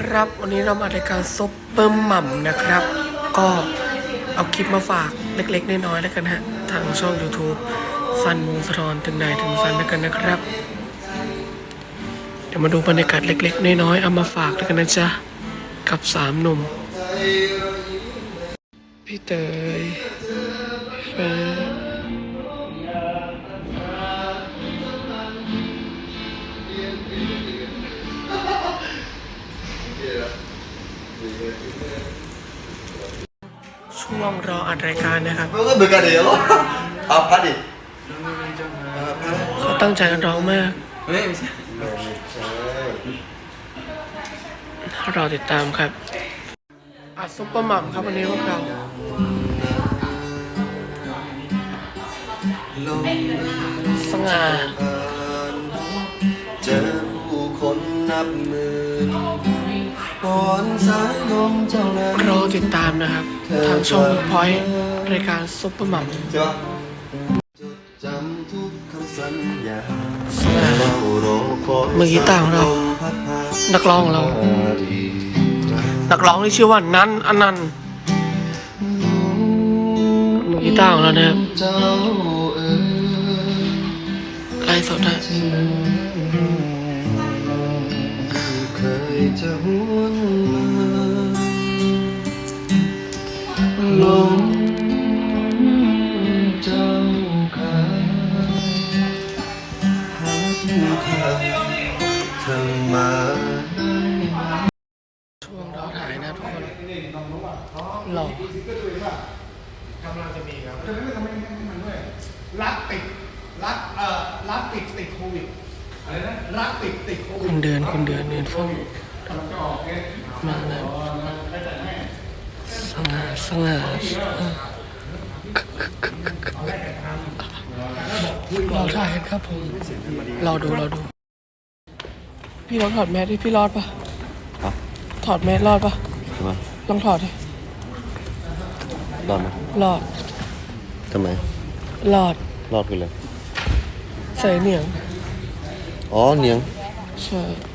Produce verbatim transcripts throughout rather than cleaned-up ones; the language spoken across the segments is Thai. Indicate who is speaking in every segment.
Speaker 1: ครับวันนี้เรามารายการซุปเปอร์หม่ำนะครับ ก็เอาคลิปมาฝากเล็กๆน้อยๆแล้วกันฮะทางช่อง YouTube ซันวงศธรถึงไหนถึงซันแล้วกันนะครับเดี๋ยวมาดูบรรยากาศเล็กๆน้อยๆเอามาฝากแล้วกันนะจ๊ะกับสามหนุ่มพี่เตยแฟนช่วงรออัดรายการนะครับ
Speaker 2: มันก็เหมือนกันเดี๋ยวเอาพัดดิ
Speaker 1: เขาตั้งใจกันร้องมาก
Speaker 3: เฮ้ยไม่ใช่
Speaker 1: เราติดตามครับอัดซุปเปอร์หม่ำครับวันนี้พวกเราสง่า
Speaker 2: เจอผู้คนนับหมื่นปอนสายลมเจ้านั้น
Speaker 1: รอติดตามนะครับทางช่องพอยต์รายการซุปเปอร์หม่ำ
Speaker 2: ใช่ปะจดจำทุกคำสัญญา
Speaker 1: สง่า มือกีตาร์ของเรา นักร้องของเรา นักร้องที่ชื่อว่านันอนันต์มือกีตาร์ของเรานะครับ
Speaker 2: เจ้าเอ๋ย
Speaker 1: ไลฟ์สดนะ
Speaker 2: เคยจะหวนมาลมเจ้าขาหาผู้ทางทางมา
Speaker 1: ช่วงเราถ่ายนะทุกคนหล่อก
Speaker 4: ำลังจะมีครับจะไม่ทำให้มันด้วยรักติดรักเอ่อรักติดติดโควิดอะไรนะรักติดติดโควิ
Speaker 1: คุ
Speaker 4: ด
Speaker 1: ณเดือนคุณเดือนเดือนฟ้อง
Speaker 4: กำลังจะออกเนี่ย
Speaker 1: มาแล้วสง่าสง่าเราถ่ายกันครับผมเราดูเราดูพี่ลองถอดแมสดิพี่รอดปะถอดแมสรอดปะ
Speaker 2: ใช่ไหม
Speaker 1: ลองถอดดิ
Speaker 2: รอดไหม
Speaker 1: รอด
Speaker 2: ทำไม
Speaker 1: รอด
Speaker 2: รอดคืออะไร
Speaker 1: ใส่เหนียง
Speaker 2: อ๋อเหนียง
Speaker 1: ใช่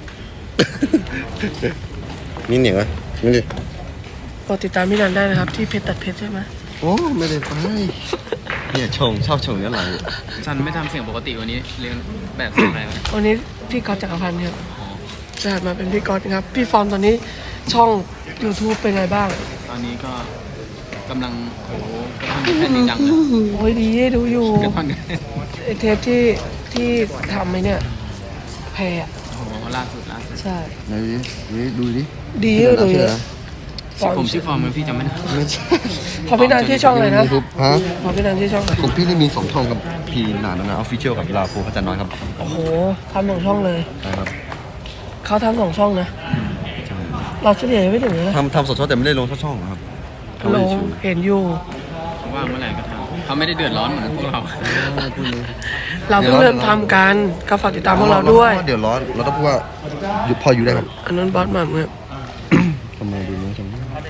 Speaker 2: นี่เหนียงไหมนี่ดิ
Speaker 1: กดติดตามพี่นันได้นะครับที่เพจตัดเพชรใช่ไหม
Speaker 2: โอ้ไม่ได้ไปเนี่ยชงชอบชงย้อนหลัง
Speaker 3: ฉันไม่ทำเสียงปกติวันนี้เรียนแบบเสียงอะไรวะ
Speaker 1: วันนี้พี่ก๊อตจักรพันธ์ครับจะหันมาเป็นพี่ก๊อตครับพี่ฟอร์มตอนนี้ช่อง YouTube เป็นไงบ้าง
Speaker 3: ตอนนี้ก็กำลังโอ้โหกระท่อนกระแผ่นจริงจังเลย
Speaker 1: โอ้ยดีดูอยู่
Speaker 3: กระท่อนกระแผ่น
Speaker 1: ไอเทปที่ที่ทำไหมเนี่ยแพรอะ
Speaker 3: โอ้โหล่าสุดล่าสุด
Speaker 1: ใช่
Speaker 2: ไหนดิดูดิ
Speaker 1: ดีเลย
Speaker 2: ชื่อ
Speaker 1: เลย
Speaker 2: อะไรนะ
Speaker 3: ผมชื่อฟอร์มมันพี่จำไม่ได้
Speaker 2: ไม่ใช่
Speaker 1: พอพี่นันที่ช่องเลยนะ
Speaker 2: ยูทูบฮะ
Speaker 1: พอพี่นันที่ช่องเลย
Speaker 2: ของพี่นี่มีสองช่องกับพี่หนานะออฟฟิเชียลกับลาโฟพัฒน้อยครับ
Speaker 1: โอ้โหทำสองช่องเลย
Speaker 2: ใช่ครับ
Speaker 1: เขาทำสองช่องนะเราเฉลี่ยไม่ถึงเลยนะ
Speaker 2: ทำทำสดช่องแต่ไม่ได้ลงช่องช่องครับ
Speaker 1: ลงเห็นอยู่
Speaker 3: ว่างเมื่อไหร่ก็ทำเขาไม่ได้เดือดร้อนเหมือนพวกเรา
Speaker 1: เราเพิ่งเริ่มทำกันก็ฝากติดตามพวกเราด้วย
Speaker 2: เดี๋ยวร้อนเราต้องพูดว่าอยู่พออยู่ได้ครับ
Speaker 1: อันนั้นบอสหม่ำครับ
Speaker 2: ทำไมดูนี้จัง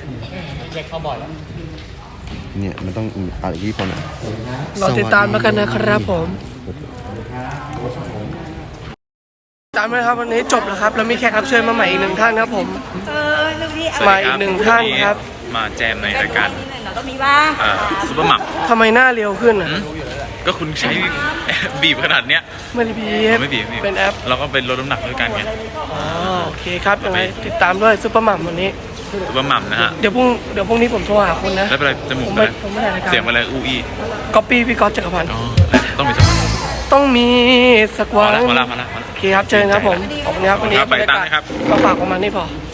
Speaker 2: เนี่ยมันต้องอ่านอีกทีพอหน่อย
Speaker 1: เราติดตามแล้วกันนะครับผมตามเลยครับวันนี้จบแล้วครับแล้วมีแขกรับเชิญมาใหม่อีกหนึ่งท่านครับผมมาอีกหนึ่งท่านครับ
Speaker 5: มาแจมในรายการ
Speaker 6: ก็มีบ้าง
Speaker 5: อ่าซุปเปอร์หมัก
Speaker 1: ทำไมหน้าเรียวขึ้นอ่ะ
Speaker 5: ก็คุณใช้ บีบขนาดเนี้ย
Speaker 1: ไม่ได้บี
Speaker 5: เราไม่บีบไม่บีบ
Speaker 1: เป็นแอป
Speaker 5: เราก็เป็นลดน้ำหนักด้วยกันไง
Speaker 1: อ๋อโอเคครับยังไงติดตามด้วยซุปเปอร์หม่ำวันนี้
Speaker 5: ซุปเปอร์หมักนะฮะ
Speaker 1: เดี๋ยวพรุ่งเดี๋ยวพรุ่งนี้ผมโทรหาคุณนะ
Speaker 5: แล้วเป็นไรจมู
Speaker 1: ผ
Speaker 5: ก
Speaker 1: ม
Speaker 5: เป็น
Speaker 1: ไม่
Speaker 5: ไร
Speaker 1: ผมไม่ถ่ายรายการ
Speaker 5: เสียงเป็นไรอูอี
Speaker 1: ก๊อปปี้พี่ก๊อตจักรพันธ์
Speaker 5: อ๋อต้องมีสักวัน
Speaker 1: ต้องมีสัก
Speaker 5: พอ
Speaker 1: วัน
Speaker 5: ละพอละพอละพอละ
Speaker 1: โอเคครับเจอกันครับผมขอบคุณครับวันนี้
Speaker 5: ครับไป
Speaker 1: บรรยากาศ
Speaker 5: ตามนะครับ
Speaker 1: มาฝากประมาณนี้พอ